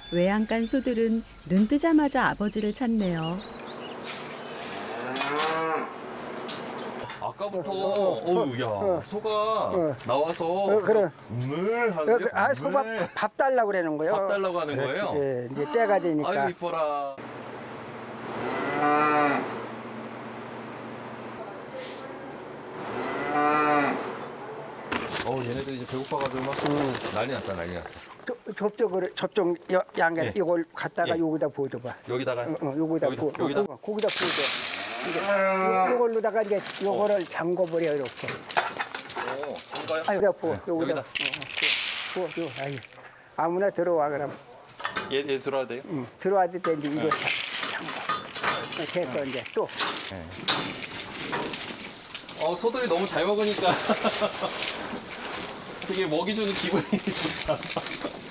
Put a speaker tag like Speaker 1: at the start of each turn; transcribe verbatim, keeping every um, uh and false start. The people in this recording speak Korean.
Speaker 1: 외양간 소들은 눈 뜨자마자 아버지를 찾네요.
Speaker 2: 아까부터
Speaker 3: 어,
Speaker 2: 어우 야
Speaker 3: 어.
Speaker 2: 소가
Speaker 3: 어.
Speaker 2: 나와서
Speaker 3: 어, 그래.
Speaker 2: 음을
Speaker 3: 어,
Speaker 2: 하는데
Speaker 3: 그, 아, 소밥 밥 달라고 그러는 거예요.
Speaker 2: 밥 달라고 하는 거예요?
Speaker 3: 예, 이제 때가 되니까.
Speaker 2: 아유 이뻐라. 어 얘네들 이제 배고파가지고 막
Speaker 3: 음.
Speaker 2: 난리 났다 난리 났어.
Speaker 3: 저- 저쪽으로 저쪽 여- 양에
Speaker 2: 예.
Speaker 3: 이걸 갖다가
Speaker 2: 예.
Speaker 3: 여기다 부어줘봐.
Speaker 2: 여기다가
Speaker 3: 어, 어, 요거다
Speaker 2: 여기다,
Speaker 3: 부어.
Speaker 2: 여기다?
Speaker 3: 어, 거기다 부어줘. 이제 요, 요걸로다가 이제 요거를 잠궈버려 이렇게.
Speaker 2: 오 잠가요?
Speaker 3: 아 여기다 부어.
Speaker 2: 네,
Speaker 3: 여기다.
Speaker 2: 여기다.
Speaker 3: 어, 어, 부어. 부어. 요 아이. 아무나 들어와 그럼.
Speaker 2: 얘, 얘 들어야 돼요?
Speaker 3: 응. 들어와도 돼 이제 이거 다 잠궈. 어, 됐어 이제 또.
Speaker 2: 어 소들이 너무 잘 먹으니까 되게 먹이 주는 기분이 좋다.